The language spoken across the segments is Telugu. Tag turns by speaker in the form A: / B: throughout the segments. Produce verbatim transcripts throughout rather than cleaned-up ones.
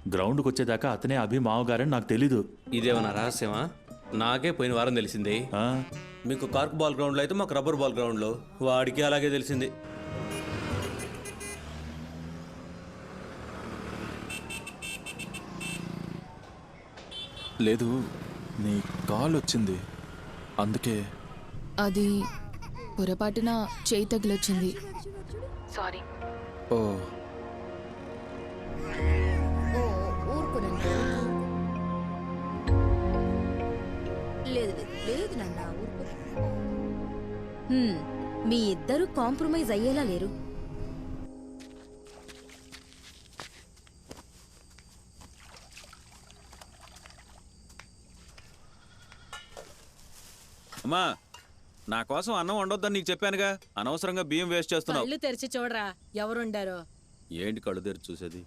A: గ్రౌండ్కి వచ్చేదాకా అతనే అభి మావగారని నాకు తెలీదు.
B: ఇదేమన్నా రహస్యమా? నాకే పోయిన వారం తెలిసింది. మీకు కార్క్ బాల్ గ్రౌండ్లో అయితే మాకు రబ్బర్ బాల్ గ్రౌండ్లో. వాడికి అలాగే తెలిసింది.
C: లేదు, నీ కాల్ వచ్చింది అందుకే.
D: అది పొరపాటున చేయి తగిలొచ్చింది. సారీ.
C: ఓ
E: లేదు లేదు నాన్న, మీ ఇద్దరు కాంప్రమైజ్ అయ్యేలా లేరు.
F: అమ్మా, నా కోసం అన్నం వండొద్దని నీకు చెప్పానుగా. అనవసరంగా బియ్యం వేస్ట్ చేస్తున్నావు.
G: కళ్ళు తెరిచి చూడరా ఎవరుండారో.
F: ఏంటి కళ్ళు తెరిచి చూసేది?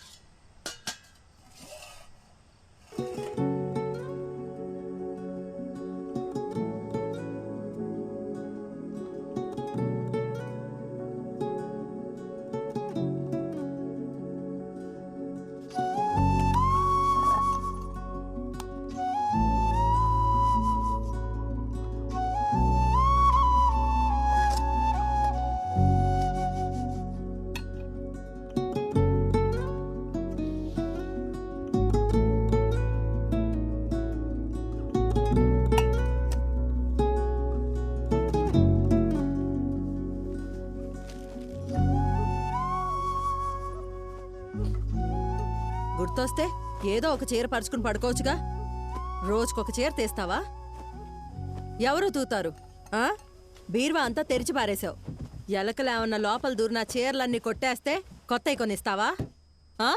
G: గుర్తొస్తే ఏదో ఒక చీర పరుచుకుని పడుకోవచ్చుగా. రోజుకొక చీర తీస్తావా? ఎవరు తూతారు? ఆ బీరువా అంతా తెరిచి పారేశావు. ఎలకలేమన్నా లోపల దూరిన చీరలన్నీ కొట్టేస్తే కొత్తవి కొనిస్తావా? ఆ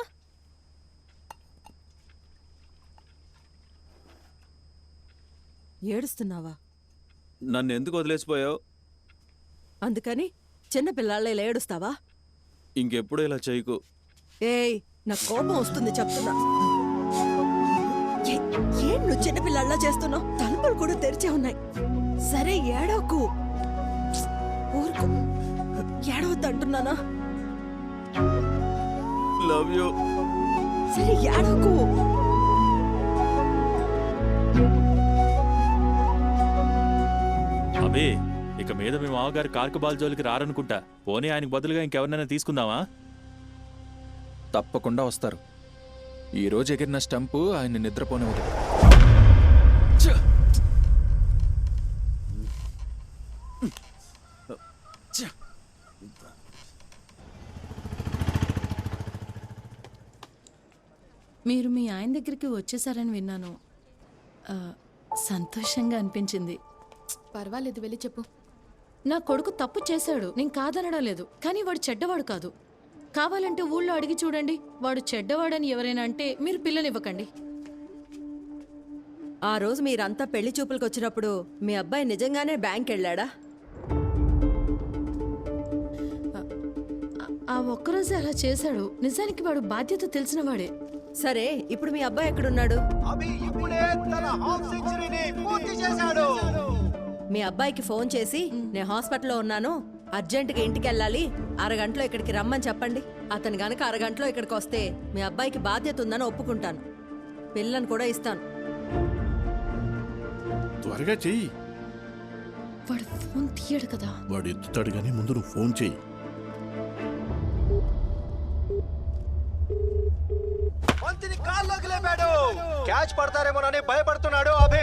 G: ఏడుస్తున్నావా?
F: నన్ను ఎందుకు వదిలేసిపోయావు?
G: అందుకని చిన్న పిల్లలే ఏడుస్తావా?
F: ఇంకెప్పుడు ఇలా చేయకు.
G: ఏయ్, నా కోపం వస్తుంది చెప్తున్నా. ఏం నువ్వు చిన్నపిల్లల్లా చేస్తున్నావు? తలుపులు కూడా తెరిచే ఉన్నాయి. సరే ఏడవకు, ఊరుకు. ఏడవద్దు అంటున్నానా?
F: Love you.
G: సరే ఏడవకు.
A: అభి, ఇక మీద మీ మామగారు కార్కు బాల్ జోలికి రారనుకుంటా. పోనీ ఆయనకు బదులుగా ఇంకెవరినైనా తీసుకుందామా?
C: తప్పకుండా వస్తారు. ఈరోజు ఎగిరిన స్టంపు ఆయన నిద్రపోనివ్వదు.
H: మీరు మీ ఆయన దగ్గరికి వచ్చేసారని విన్నాను. సంతోషంగా అనిపించింది.
D: పర్వాలేదు, వెళ్ళి చెప్పు.
H: నా కొడుకు తప్పు చేశాడు, నేను కాదనడం లేదు. కానీ వాడు చెడ్డవాడు కాదు. కావాలంటే ఊళ్ళో అడిగి చూడండి. వాడు చెడ్డవాడని ఎవరైనా అంటే మీరు పిల్లనివ్వకండి.
G: ఆ రోజు మీరంతా పెళ్లి చూపులకు వచ్చినప్పుడు మీ అబ్బాయి నిజంగానే బ్యాంక్ వెళ్ళాడా?
H: ఆ ఒక్కరోజే అలా చేశాడు. నిజానికి వాడు బాధ్యత తెలిసిన వాడే.
G: సరే, ఇప్పుడు మీ అబ్బాయి ఎక్కడున్నాడు? మీ అబ్బాయికి ఫోన్ చేసి నేను హాస్పిటల్లో ఉన్నాను, అర్జెంటుగా ఇంటికి వెళ్ళాలి, అరగంటలో ఇక్కడికి రమ్మని చెప్పండి. అతను గనక అరగంటలో ఇక్కడికి వస్తే మీ అబ్బాయికి బాధ్యత ఉందని ఒప్పుకుంటాను. పిల్లని కూడా ఇస్తాను.
I: త్వరగా చెయ్యి.
H: వాడు ఫోన్ తీయడు కదా.
I: వాడు ఎత్తుతాడు కానీ ముందు నువ్వు ఫోన్ చెయ్యి.
J: క్యాచ్ పడతారేమోనని భయపడుతున్నాడు అభి.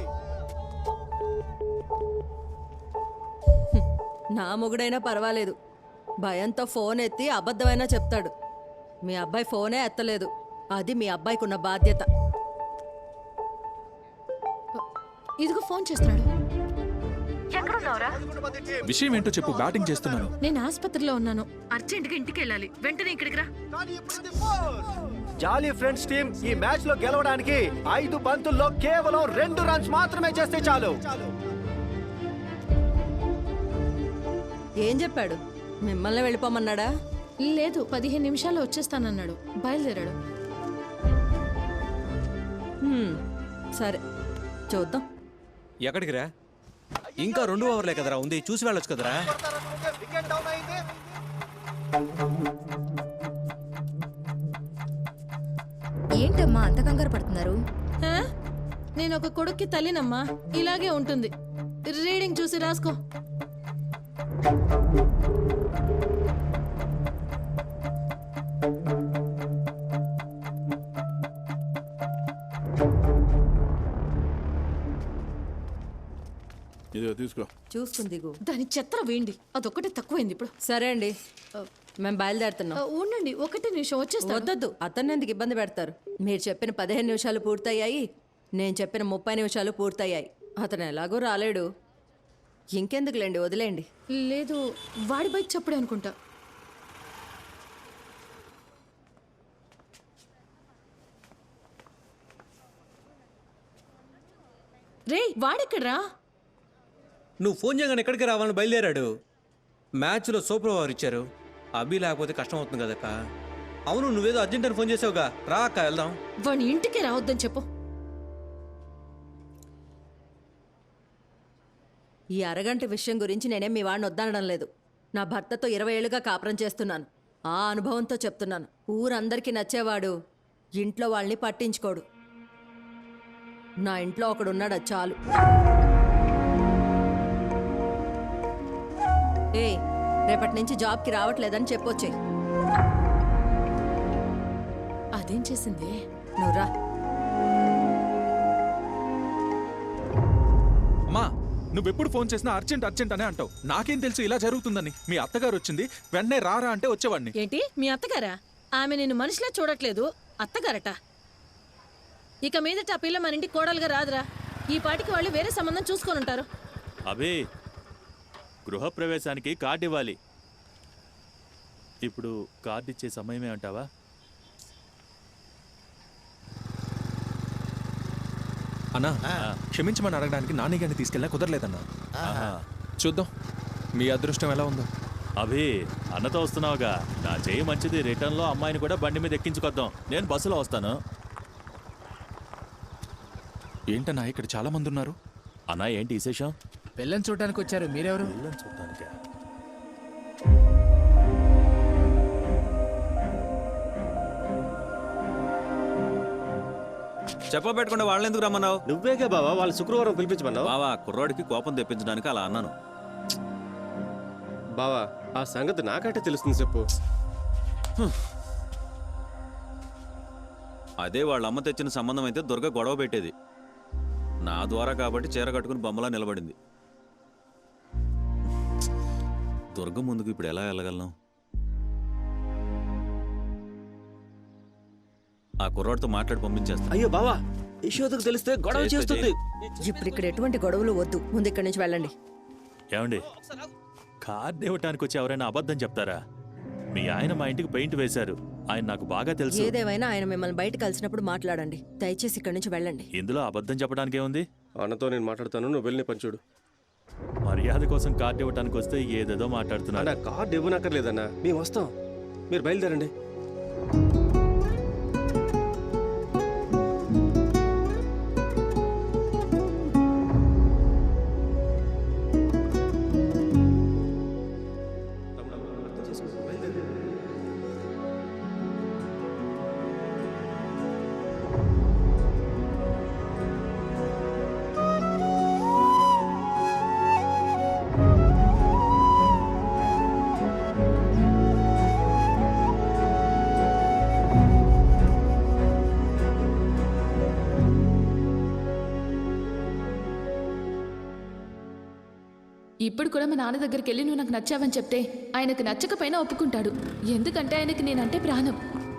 G: నా మొగుడైనా పర్వాలేదు, భయంతో ఫోన్ ఎత్తి అబద్ధమైనా చెప్తాడు. మీ అబ్బాయి ఫోనే ఎత్తలేదు. అది మీ అబ్బాయికి ఉన్న బాధ్యత.
H: ఇదిగో ఫోన్ చేస్తున్నాడు.
C: విషయం ఏంటో చెప్పు. బ్యాటింగ్ చేస్తున్నాను.
H: నేను ఆసుపత్రిలో ఉన్నాను. అర్జెంటుగా ఇంటికి వెళ్ళాలి. వెంటనే ఇక్కడికి రా.
J: జాలీ ఫ్రెండ్స్ టీం ఈ మ్యాచ్ లో గెలవడానికి ఐదు బంతుల్లో కేవలం రెండు రన్స్ మాత్రమే చేస్తే చాలు.
G: ఏం చెప్పాడు? మిమ్మల్ని వెళ్ళిపోమన్నాడా?
H: లేదు, పదిహేను నిమిషాల్లో వచ్చేస్తానన్నాడు. బయలుదేరాడు.
G: సరే, చూద్దాం.
B: ఎక్కడికి రా? ఇంకా రెండు ఓవర్లే కదరా ఉంది, చూసి వెళ్ళొచ్చు కదరా.
E: ఏంటమ్మా అంత కంగారు పడుతున్నారు?
H: ఆ? నేను ఒక కొడుక్కి తల్లినమ్మా, ఇలాగే ఉంటుంది. రీడింగ్ చూసి రాసుకో.
I: ఇదిగో తీసుకో.
G: చూసుకుని దిగు.
H: దాని చెత్త వేయండి, అదొక్కటే తక్కువైంది ఇప్పుడు.
G: సరే అండి, మేము బయలుదేరుతున్నాం.
H: ఆ, ఉండండి, ఒకటే నిమిషం వచ్చేస్తా.
G: వద్దొద్దు, అతన్ని ఎందుకు ఇబ్బంది పెడతారు? మీరు చెప్పిన పదిహేను నిమిషాలు పూర్తయ్యాయి, నేను చెప్పిన ముప్పై నిమిషాలు పూర్తయ్యాయి. అతను ఎలాగో రాలేడు, ఇంకెందుకులేండి, వదిలేండి.
H: లేదు, వాడి బైక్ చప్పుడే అనుకుంటా. రే, వాడెక్కడ్రా?
B: నువ్వు ఫోన్ చేయగానే ఎక్కడికి రావాలని బయలుదేరాడు. మ్యాచ్లో సూపర్ ఓవర్ ఇచ్చారు. అభి లేకపోతే కష్టం అవుతుంది కదక్క. అవును, నువ్వేదో అర్జెంట్ అని ఫోన్ చేసావుగా, రా అక్క వెళ్దాం.
H: వాడిని ఇంటికే రావద్దని చెప్పు.
G: ఈ అరగంట విషయం గురించి నేనేం మీ వాడిని వద్దనడం లేదు. నా భర్తతో ఇరవై ఏళ్ళుగా కాపురం చేస్తున్నాను. ఆ అనుభవంతో చెప్తున్నాను, ఊరందరికీ నచ్చేవాడు ఇంట్లో వాళ్ళని పట్టించుకోడు. నా ఇంట్లో ఒకడున్నాడు, అది చాలు. ఏ రేపటి నుంచి జాబ్కి రావట్లేదని చెప్పొచ్చే.
H: అదేం చేసింది?
G: నువ్వు రా.
C: అమ్మా, నువ్వెప్పుడు ఫోన్ చేసినా అర్జెంట్ అర్జెంట్ అనే అంటావు. నాకేం తెలుసు ఇలా జరుగుతుందని. మీ అత్తగారు వచ్చింది, వెంటనే రారా అంటే వచ్చేవాడిని.
H: ఏంటి మీ అత్తగారా? ఆమె నిన్ను మనిషిలా చూడట్లేదు, అత్తగారట. ఇక మీదట ఆ పిల్ల మన ఇంటికి కోడలుగా రాదురా. ఈ పాటికి వాళ్ళు వేరే సంబంధం చూసుకొని ఉంటారు.
A: అబే, గృహప్రవేశానికి కార్డు ఇవ్వాలి. ఇప్పుడు కార్డు ఇచ్చే సమయమే అంటావా?
C: అన్నా, క్షమించమని అడగడానికి నాని గారిని తీసుకెళ్ళినా కుదరలేదన్నా. చూద్దాం మీ అదృష్టం ఎలా ఉందో.
A: అభి, అన్నతో వస్తున్నావుగా, నా చేయి మంచిది. రిటర్న్లో అమ్మాయిని కూడా బండి మీద ఎక్కించుకొద్దాం. నేను బస్సులో వస్తాను.
C: ఏంటన్నా ఇక్కడ చాలా మంది ఉన్నారు?
A: అన్నా, ఏంటి విశేషం?
K: పిల్లని చూడడానికి వచ్చారు, మీరెవరు?
A: చూడటానికా?
F: చెప్పబెట్టకుండా వాళ్ళని ఎందుకు రమ్మన్నావు?
J: నువ్వేగా బావా వాళ్ళు శుక్రవారం పిలిపించమన్నావు.
F: బావా, కుర్రాడికి కోపం తెప్పించడానికి అలా అన్నాను.
J: బావా ఆ సంగతి నాకంటే తెలుస్తుంది చెప్పు.
F: అదే వాళ్ళ అమ్మ తెచ్చిన సంబంధం అయితే దుర్గ గొడవ పెట్టేది. నా ద్వారా కాబట్టి చీర కట్టుకుని బొమ్మలా నిలబడింది. దుర్గ ముందుకు ఇప్పుడు ఎలా వెళ్ళగలను? ఆ కుర్రాడితో మాట్లాడి పంపించేస్తా.
J: అయ్యో బావా, యశోదకు తెలిస్తే గొడవ చేస్తుంది.
G: ఇప్పుడు ఇక్కడ ఎటువంటి గొడవలు వద్దు, ముందు ఇక్కడి నుంచి వెళ్ళండి.
A: ఏమండి, కార్డు ఇవ్వటానికి వచ్చి ఎవరైనా అబద్ధం చెప్తారా? మీ ఆయన మా ఇంటికి పెయింట్ వేశారు, ఆయన నాకు బాగా తెలుసు.
G: ఏదేమైనా ఆయన మిమ్మల్ని బయట కలిసినప్పుడు మాట్లాడండి. దయచేసి ఇక్కడి నుంచి వెళ్ళండి.
A: ఇందులో అబద్ధం చెప్పడానికి ఏముంది?
J: అన్నతో నేను మాట్లాడతాను, నువ్వు వెళ్ళి పని చూడు.
A: మర్యాద కోసం కార్డు ఇవ్వటానికి వస్తే ఏదేదో మాట్లాడుతున్నా.
J: అన్న కార్డు ఇవ్వనక్కర్లేదన్నా, మేము వస్తాం, మీరు బయలుదేరండి.
D: ఇప్పుడు కూడా మా నాన్న దగ్గరికి వెళ్ళి నువ్వు నాకు నచ్చావని చెప్తే ఆయనకు నచ్చకపోయినా ఒప్పుకుంటాడు. ఎందుకంటే ఆయనకి నేనంటే ప్రాణం.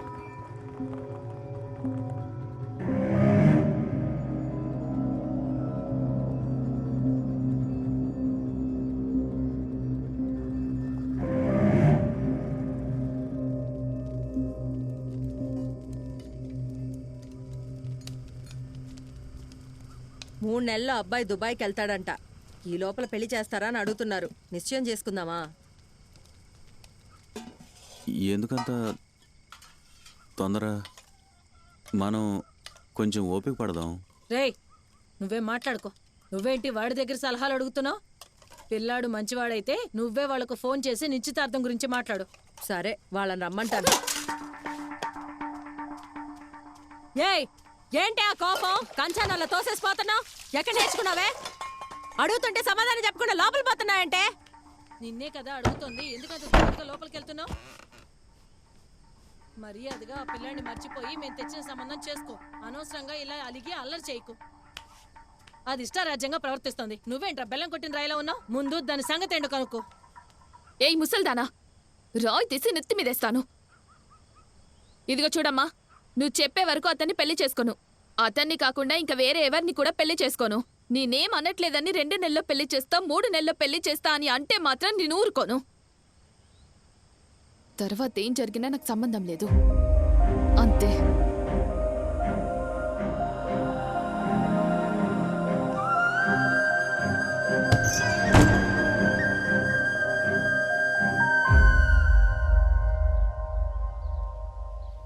G: మూడు నెలల్లో అబ్బాయి దుబాయ్కి వెళ్తాడంట. ఈ లోపల పెళ్లి చేస్తారా అని అడుగుతున్నారు. నిశ్చయం చేసుకుందామా?
F: ఎందుకంత తొందర? మనం కొంచెం ఓపిక పడదాం.
H: రేయ్, నువ్వేం మాట్లాడుకో. నువ్వేంటి వాడి దగ్గర సలహాలు అడుగుతున్నావు? పిల్లాడు మంచివాడైతే నువ్వే వాళ్ళకు ఫోన్ చేసి నిశ్చితార్థం గురించి మాట్లాడు.
G: సరే, వాళ్ళని రమ్మంటాను. ఏయ్ ఏంటి ఆ కోపం కంచానల్లా తోసేసిపోతున్నావు ఎక్కడ నేర్చుకున్నావే అడుగుతుంటే సమాధానం చెప్పకుండా లోపల పోతున్నాయంటే
H: నిన్నే కదా అడుగుతుంది ఎందుకంత దూరంగా లోపలికి వెళ్తున్నావు మర్యాదగా ఆ పిల్లాన్ని మర్చిపోయి మేము తెచ్చిన సంబంధం చేసుకో అనవసరంగా ఇలా అలిగి అల్లరి చేయకు అది ఇష్టారాజ్యంగా ప్రవర్తిస్తుంది నువ్వేంట్రా బెల్లం కొట్టిన రాయిలో ఉన్నావు ముందు దాని సంగతి ఏంటో కనుక్కో
D: ఏయ్ ముసల్దానా రాయ్ తీసి నెత్తి మీదేస్తాను ఇదిగో చూడమ్మా నువ్వు చెప్పే వరకు అతన్ని పెళ్లి చేసుకోను అతన్ని కాకుండా ఇంకా వేరే ఎవరిని కూడా పెళ్లి చేసుకోను నేనేం అనట్లేదని రెండు నెలల్లో పెళ్లి చేస్తా మూడు నెలల్లో పెళ్లి చేస్తా అని అంటే మాత్రం నేను ఊరుకోను తర్వాత ఏం జరిగినా నాకు సంబంధం లేదు అంతే